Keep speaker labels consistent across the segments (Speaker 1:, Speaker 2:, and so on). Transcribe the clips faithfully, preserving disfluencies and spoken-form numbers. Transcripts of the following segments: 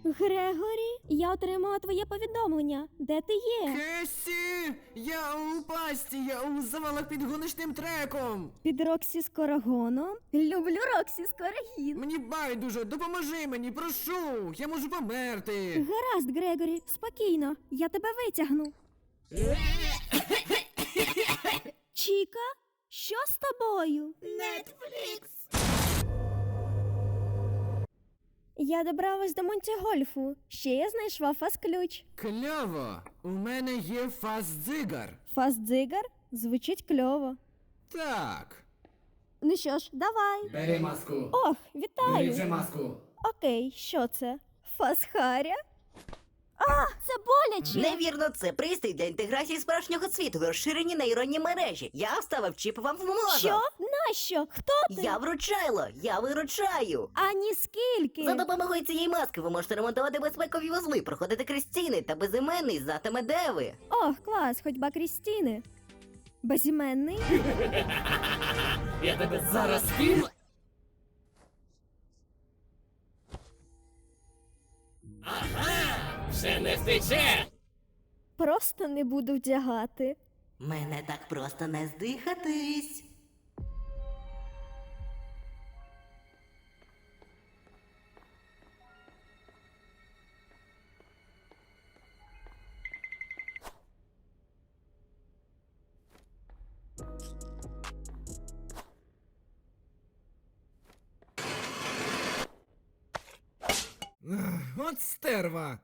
Speaker 1: Грегорі, я отримала твоє повідомлення. Де ти є?
Speaker 2: Кесі! Я у пасті, я у завалах під гоночним треком!
Speaker 1: Під Роксі Скорогоном? Люблю Роксі Скорогін.
Speaker 2: Мені байдуже, допоможи мені, прошу! Я можу померти!
Speaker 1: Гаразд, Грегорі, спокійно, я тебе витягну. Чіка, що з тобою?
Speaker 2: Нетфлікс!
Speaker 1: Я добралась до Монтігольфу. Ще я знайшла фаз-ключ.
Speaker 2: Кльово! У мене є фаз-дзигар.
Speaker 1: Фаз-дзигар? Звучить кльово.
Speaker 2: Так.
Speaker 1: Ну що ж, давай.
Speaker 3: Бери маску.
Speaker 1: Ох,
Speaker 3: Бери
Speaker 1: вітаю.
Speaker 3: вже маску.
Speaker 1: Окей, що це? Фазхаря? А, це боляче.
Speaker 4: Невірно, це пристрій для інтеграції справжнього світу в розширені нейронні мережі. Я вставив чіп вам в мозок.
Speaker 1: Що? Нащо? Хто ти?
Speaker 4: Я вручайло, я виручаю.
Speaker 1: Ані скільки.
Speaker 4: За допомогою цієї маски ви можете ремонтувати безпекові вузли, проходити крізь стіни та безіменний знатиме, де ви.
Speaker 1: Ох, клас, ходьба Крістіни. Безіменний?
Speaker 3: Я тебе зараз спів. Ага! Вже не втече!
Speaker 1: Просто не буду вдягати.
Speaker 4: Мене так просто не здихатись.
Speaker 2: Ах, от стерва!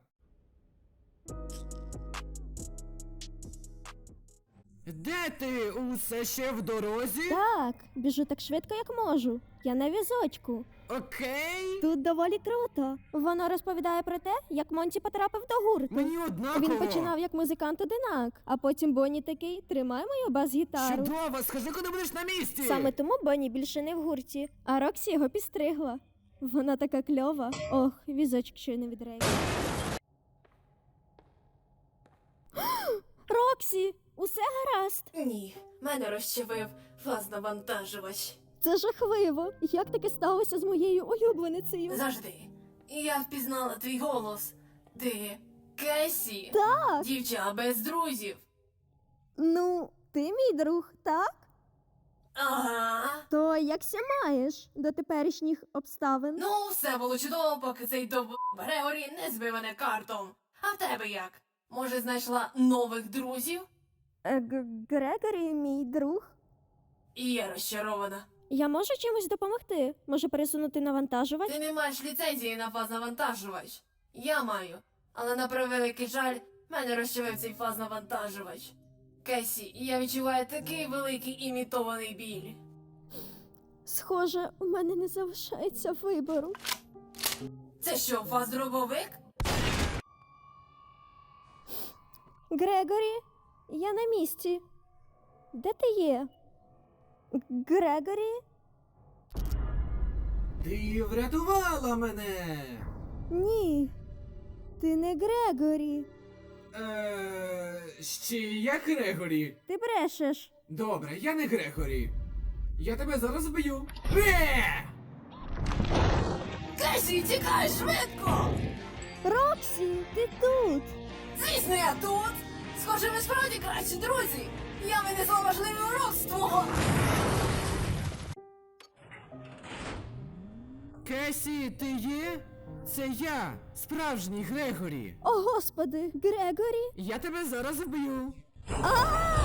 Speaker 2: Де ти? Усе ще в дорозі?
Speaker 1: Так, біжу так швидко, як можу. Я на візочку.
Speaker 2: Окей.
Speaker 1: Тут доволі круто. Воно розповідає про те, як Монті потрапив до гурту.
Speaker 2: Мені однаково.
Speaker 1: Він починав як музикант-одинак, а потім Бонні такий: тримай мою бас-гітару.
Speaker 2: Чудово, скажи, коли будеш на місці.
Speaker 1: Саме тому Бонні більше не в гурті, а Роксі його підстригла. Вона така кльова. Ох, візочок щойно від Рей. Роксі, усе гаразд.
Speaker 5: Ні, мене розчавив фазнавантажувач.
Speaker 1: Це жахливо. Як таке сталося з моєю улюбленицею?
Speaker 5: Завжди. Я впізнала твій голос. Ти Кесі.
Speaker 1: Так.
Speaker 5: Дівча без друзів.
Speaker 1: Ну, ти мій друг, так?
Speaker 5: Ага.
Speaker 1: То якся маєш до теперішніх обставин?
Speaker 5: Ну, все було чудово, поки цей доб... Грегорі не збив мене картом. А в тебе як? Може, знайшла нових друзів?
Speaker 1: Е, Г- Грегорі, мій друг.
Speaker 5: І я розчарована.
Speaker 1: Я можу чимось допомогти? Може пересунути навантажувач?
Speaker 5: Ти не маєш ліцензії на фазнавантажувач. Я маю. Але на превеликий жаль, мене розчавив цей фазнавантажувач. Кесі, я відчуваю такий великий імітований біль.
Speaker 1: Схоже, у мене не залишається вибору.
Speaker 5: Це що, фаздробовик?
Speaker 1: Грегорі, я на місці. Де ти є? Г- Грегорі?
Speaker 2: Ти врятувала мене.
Speaker 1: Ні. Ти не Грегорі.
Speaker 2: Е, ще я Грегорі.
Speaker 1: Ти брешеш.
Speaker 2: Добре, я не Грегорі. Я тебе зараз вб'ю. Е!
Speaker 5: Кесі, тікай швидко!
Speaker 1: Роксі, ти тут.
Speaker 5: Звісно, я тут! Схоже, ми справді кращі друзі! Я винесла важливий урок з твого...
Speaker 2: Кесі, ти є? Це я, справжній Грегорі.
Speaker 1: О, господи, Грегорі.
Speaker 2: Я тебе зараз вб'ю.
Speaker 1: А!